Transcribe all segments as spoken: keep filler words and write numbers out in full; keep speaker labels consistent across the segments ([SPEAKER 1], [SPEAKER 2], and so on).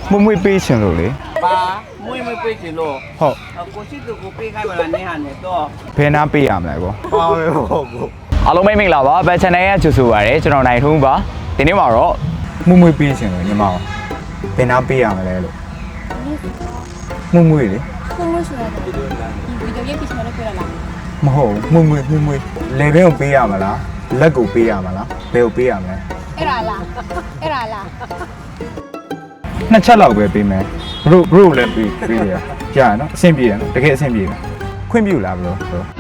[SPEAKER 1] မမွေးပေးချင်လို့လေ
[SPEAKER 2] ပါမွေးမွေးပေးချင်လို့
[SPEAKER 1] ဟုတ်
[SPEAKER 2] ကိုရှိသူကိုပေးခိုင်းမလားနေဟာနေတော့
[SPEAKER 1] ဘယ်နာပေးရမလဲကော
[SPEAKER 2] ပါပဲဟုတ်ကို
[SPEAKER 3] အားလုံးမိတ်မင်္ဂလာပါဘယ် channel ရဲ့ကြိုဆိုပါရစေကျွန်တော်နိုင်ထုံးပါဒီနေ့မှာတော့
[SPEAKER 1] မမွေးပေးချင်လို့ညီမအောင်ဘယ်နာပေးရမလဲလို့မမွေးလေ
[SPEAKER 4] မမဆိုတာဒီဗီဒီယိုရေးပြချင်တယ်ပြောရလား
[SPEAKER 1] မဟုတ်မမွေးမမွေးလေဘဲကိုပေးရမလားလက်ကိုပေးရမလားဘယ်ကိုပေးရမလဲ
[SPEAKER 4] အဲ့ဒါလားအဲ့ဒါလား
[SPEAKER 1] နှစ်ချက်လောက်ပဲပေးမယ်ဘရိုဘရိုလည်းပေးပေးရကြာနော်အဆင်ပြေတယ်နော်တကယ်အဆင်ပြေတယ်ခွင့်ပြုလားဘရိုဘရို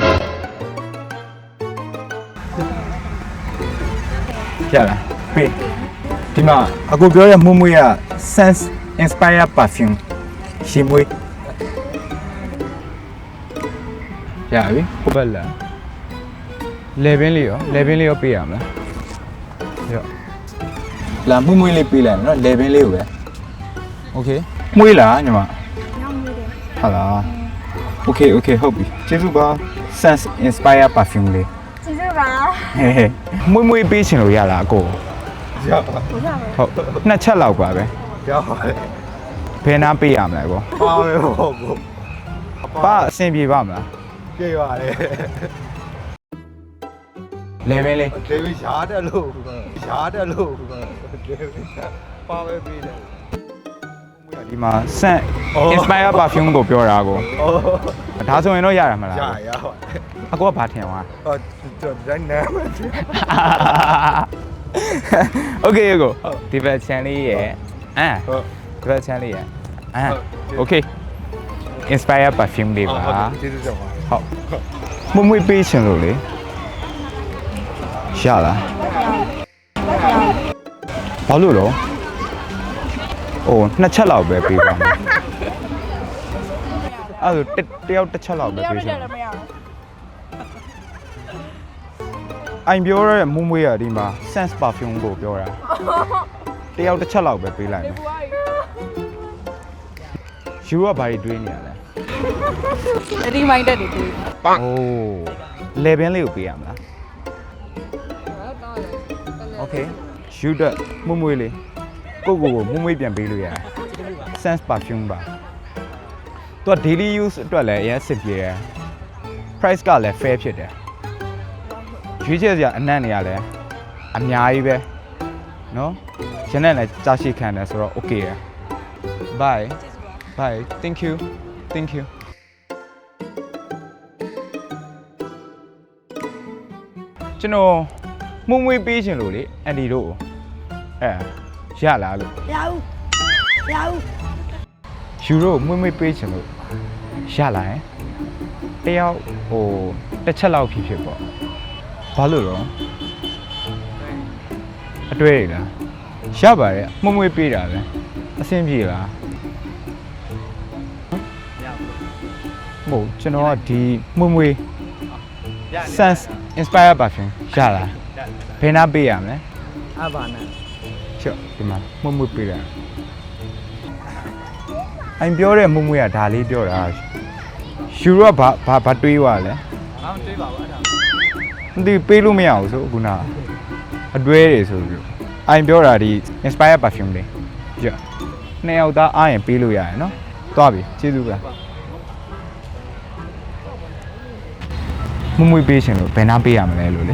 [SPEAKER 1] ကြာလားပေးဒီမှာအကိုပြောတဲ့မွေးမွေးက sense inspire perfume ရှင်မွေးရပြီဟုတ်ပါလားလေဘင်းလေးရောလေဘင်းလေးရောပေးရမလားရောလာမွေးမွေးလေးပေးလိုက်မယ်နော်လေဘင်းလေးကိုပဲโอเคမွေးလားညီမ
[SPEAKER 4] ညောင်းနေတယ်
[SPEAKER 1] ဟာလားโอเคโอเคဟုတ်ပြီကျေးဇူးပါ sense inspire perfume လေး
[SPEAKER 4] ကျေးဇူးပါ
[SPEAKER 1] ဟဲ့ဟဲ့မွေးမွေးပေးချင်လို့ရလားအကို
[SPEAKER 2] ရပါ
[SPEAKER 4] ဟုတ်ပါမယ်
[SPEAKER 1] ဟုတ်နှစ်ချက်လောက်ပါပဲ
[SPEAKER 2] ရပါတယ်
[SPEAKER 1] ဘယ်နာပေးရမလဲကော
[SPEAKER 2] ပါပဲဟုတ်ကို
[SPEAKER 1] ပါအဆင်ပြေပါမလား
[SPEAKER 2] ပြေးပါတယ်
[SPEAKER 1] လေဘင်းလေး
[SPEAKER 2] ဒေးဗစ်ရှားတယ်လို့ရှားတယ်လို့ဒေးဗစ်ပါပဲပေးတယ်
[SPEAKER 1] ဒီမှာ scent inspire perfume ကိုပြောတာကို
[SPEAKER 2] ဩ
[SPEAKER 1] ဒါဆိုရင်တော့ရရမလား
[SPEAKER 2] ရရပါတယ်
[SPEAKER 1] အကိုကဘာထင်သွား
[SPEAKER 2] ဟောကျွန်တော်တိုင်းနာမယ်
[SPEAKER 1] โอเคကိုဒီဘက် channel လေးရယ်အာ
[SPEAKER 2] ဟုတ်
[SPEAKER 1] ဒီဘက် channel လေးရယ်အာโอเค inspire perfume လေးပါ
[SPEAKER 2] ကျေးဇူးတင်ပါ
[SPEAKER 1] ဟုတ်မမွေးပေးချင်လို့လေရလားဘာလို့တော့အိုးနှစ်ချက်လောက်ပဲပေးပါမယ်အဲ့ဒါတယောက်တစ်ချက်လောက်ပဲပေးချင်
[SPEAKER 4] မရဘူး
[SPEAKER 1] အိုင်ပြောရဲမွေးမွေးရဒီမှာ sense perfume ကိုပြောတာတယောက်တစ်ချက်လောက်ပဲပေးလိုက်မယ်ယူကဘာတွေတွေးနေရလဲ
[SPEAKER 4] ရီမိုင်းတက်တွေတွေ့
[SPEAKER 1] အိုးလေဘင်းလေးကိုပေးရမလားโอเคယူဒမွေးမွေးလေးကိုကိုကိုမွေးမွေးပြန်ပေးလို့ရတယ် sense perfume ပါသူက daily use အတွက်လည်းအရင်စစ်ပြေတယ် price ကလည်း fair ဖြစ်တယ်ရွေးချယ်စရာအနံ့နေရလဲအများကြီးပဲเนาะရနဲ့လည်းကြားရှိခံတယ်ဆိုတော့ okay ရ bye bye thank you thank you ကျွန်တော်မှုံမွေးပေးချင်လို့လေအန်ဒီတို့အဲရလားလို့
[SPEAKER 4] ရဘူးရဘူး
[SPEAKER 1] ယူတို့မွေးမွေးပေးချင်လို့ရလာရင်တယောက်ဟိုတစ်ချက်လောက်ဖြစ်ဖြစ်ပေါ့ဘာလို့တော့အတွေ့ရလားရပါတယ်မွေးမွေးပေးတာပဲအဆင်ပြေလားမဟုတ်ကျွန်တော်ကဒီမွေးမွေး sense inspire perfume ရလားဘယ်နာပေးရမလဲ
[SPEAKER 2] အဘာနာ
[SPEAKER 1] ချော့ဒီမှာမွေးမွေးပေးတာအိမ်ပြောတဲ့မွေးမွေးကဒါလေးပြောတာယူရောဘာဘာဘာတွေးသွားလဲ
[SPEAKER 2] အောင်းတွေးပါဘူးအဲ့ဒါ
[SPEAKER 1] မသိပေးလို့မရဘူးဆိုခုနအတွဲတွေဆိုပြီးအိမ်ပြောတာဒီ inspire perfume လေးကြည့်နှစ်ယောက်သားအားရင်ပေးလို့ရတယ်နော်သွားပြီကျေးဇူးပါမမွေးပေးရှင်လို့ဘယ်နာပေးရမလဲလို့လေ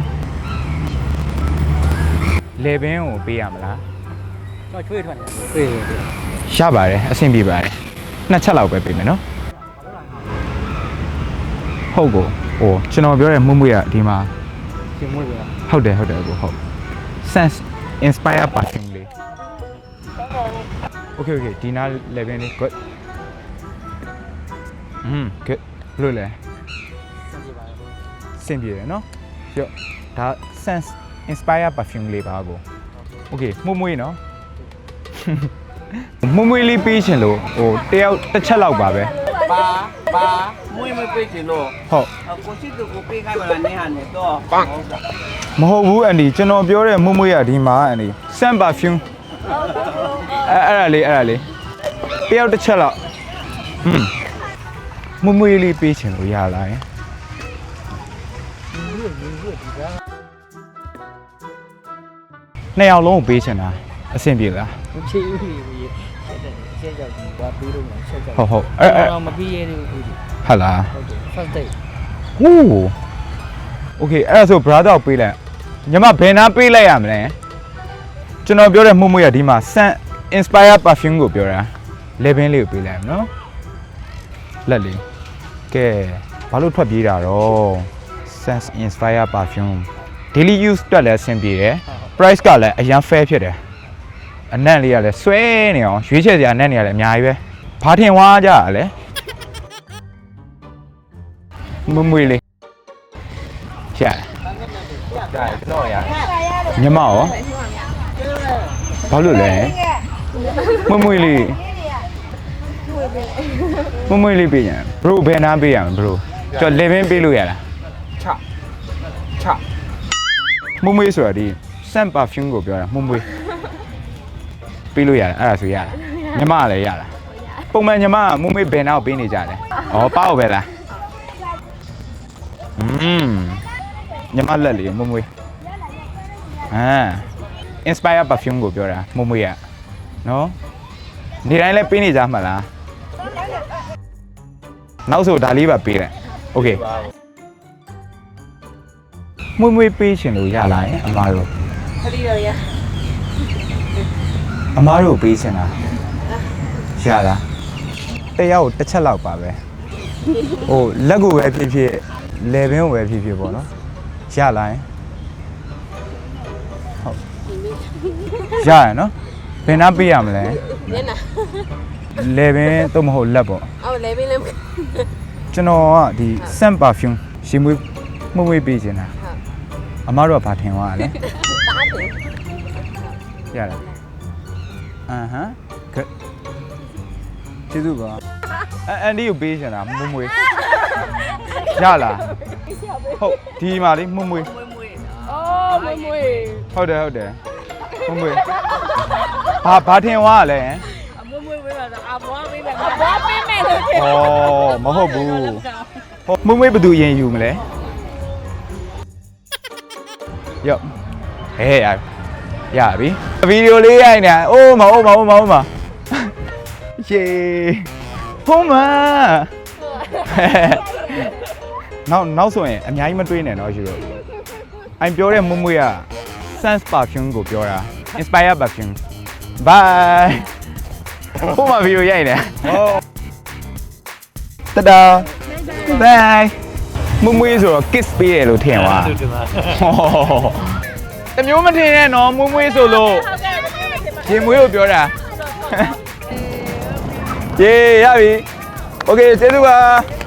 [SPEAKER 1] လေဘင်းကိုပေးရမလား
[SPEAKER 2] တော့ချွေးထွက်တယ်ချွေး
[SPEAKER 1] ရပါတယ်အဆင်ပြေပါတယ်နှစ်ချက်လောက်ပဲပေးမယ်နော်ဟုတ်ကိုဟိုကျွန်တော်ပြောတဲ့မွေးမွေးကဒီမှာ
[SPEAKER 2] ရှင်မွေးပါ
[SPEAKER 1] ဟုတ်တယ်ဟုတ်တယ်ကိုဟုတ် sense inspire perfume လေး okay okay ဒီနား level လေး good อืม good လို့လဲစင်ပြေတယ်နော်ကြော့ဒါ sense inspire perfume လေးပါကို okay မှုမွေးနော်မွေးမွေးလေးပေးချင်လို့ဟိုတယောက်တစ်ချက်လောက်ပါပဲ
[SPEAKER 2] ပါပါမွေးမွေးပေးချင်လို့
[SPEAKER 1] ဟုတ်
[SPEAKER 2] ကိုရှိသူကိုပေးခိုင်းမလားနေဟာနေတော့
[SPEAKER 1] မဟုတ်ဘူးအန်ဒီကျွန်တော်ပြောတဲ့မွေးမွေးရဒီမှာအန်ဒီ scent perfume အဲ့အဲ့ဒါလေးအဲ့ဒါလေးတယောက်တစ်ချက်လောက်ဟွန်းမွေးမွေးလေးပေးချင်လို့ရလာရင်နှစ်ယောက်လုံးကိုပေးချင်တာအဆင်ပြေလား
[SPEAKER 2] ချေးဦးကြီးဖြစ်တယ်အဆချက်ရောက်ပြီဘာပြီးလို့လဲချက်ကြောက်
[SPEAKER 1] ဟုတ်ဟုတ်အဲ့အဲ့
[SPEAKER 2] တော့မပြီးရသေးဘူး
[SPEAKER 1] ဟာလား
[SPEAKER 2] ဟုတ်တယ် first date
[SPEAKER 1] ဟူးโอเคအဲ့ဒါဆို brother ကိုပေးလိုက်ညီမဘယ်နာပေးလိုက်ရမလဲကျွန်တော်ပြောတဲ့မှုမှုရဒီမှာ Sun Inspire Perfume ကိုပြောတာ level လေးကိုပေးလိုက်ရမယ်နော်လက်လေးကဲဘာလို့ထွက်ပြေးတာတော့ Sun Inspire Perfume daily use တက်လည်းအဆင်ပြေတယ် price ကလည်းအရင် fair ဖြစ်တယ်အနံ့လေးကလည်းဆွဲနေအောင်ရွေးချယ်စရာအနံ့တွေကလည်းအများကြီးပဲဘာထင်ဝါကြရလဲမမွေလေးရှာရှာကျွန်တော်ရညီမရောဘာလို့လဲမမွေလေးမမွေလေးပေးရဘရိုဘယ်နာပေးရမဘရိုကျွန်တော် level ပေးလို့ရလားချချမမွေဆိုတာဒီ Sun Perfume ကိုပြောတာမမွေပေးလို့ရတယ်အဲ့ဒါဆိုရလားညီမလည်းရလားပုံမှန်ညီမကမမွေဘယ်နာကိုပေးနေကြတယ်ဩပါ့ပဲလားอืมညီမလက်လေးမမွေအာ Inspire Perfume ကိုပြောတာမမွေရနော်နေတိုင်းလည်းပေးနေကြမှာလားနောက်ဆိုဒါလေးပါပေးတယ်โอเคမွေမွေပေးရှင်လို့ရလားအမားတို့
[SPEAKER 4] ခရီးရရ
[SPEAKER 1] အမားတို့ပေးရှင်လားရလားတယောက်တစ်ချက်လောက်ပါပဲဟိုလက်ကိုပဲဖြစ်ဖြစ်လေဘင်းကိုပဲဖြစ်ဖြစ်ပေါ့နော်ရလားဟုတ်ရရနော်ဘယ်နှပေးရမလဲ
[SPEAKER 4] ညနာ
[SPEAKER 1] လေဘင်းတော့မဟုတ်လက်ပေါ့
[SPEAKER 4] အော်လေဘင်းလေး
[SPEAKER 1] ကျွန်တော်ကဒီ Sun Perfume ရှင်မွေးမွေးမွေးပေးချင်တာအမားတို့ကဘာထင်သွားလဲ
[SPEAKER 4] တားတယ်
[SPEAKER 1] ရလားအမ်ဟမ်ကဲကျေးဇူးပါအအန်ဒီကိုပေးချင်တာမွေးမွေးရလားဟုတ်ဒီမှာလေးမွေးမွေး
[SPEAKER 4] အော်မမွေ
[SPEAKER 1] ဟုတ်တယ်ဟုတ်တယ်မွေးမွေးဘာဘာထင်သွားလဲ
[SPEAKER 4] အမမွေဝေးတာအဘွားပေးမယ်အဘွားပေးမယ်လို့ထင်
[SPEAKER 1] ဩမဟုတ်ဘူးဟုတ်မွေးမွေးဘယ်သူရင်ယူမလဲရော့ဟဲ့ရရပြီဗီဒီယိုလေးရိုက်နေတာအိုးမအိုးမအိုးမအိုးမရှေးဖုံးမနောက်နောက်ဆိုရင်အများကြီးမတွေးနဲ့တော့ယူတော့အိုင်ပြောတဲ့မွမွေက Sun Perfume ကိုပြောတာ Inspire Perfume bye ဖုံးမဗီဒီယိုရိုက်နေဟုတ်တဒါ bye မမွေးဆိုတော့ kiss ပေးတယ်လို့ထင်သွားတမျိုးမထင်နဲ့နော်မွေးမွေးဆိုလို့ရင်မွေးကိုပြောတာယေရပြီโอเคကျေးဇူးပါ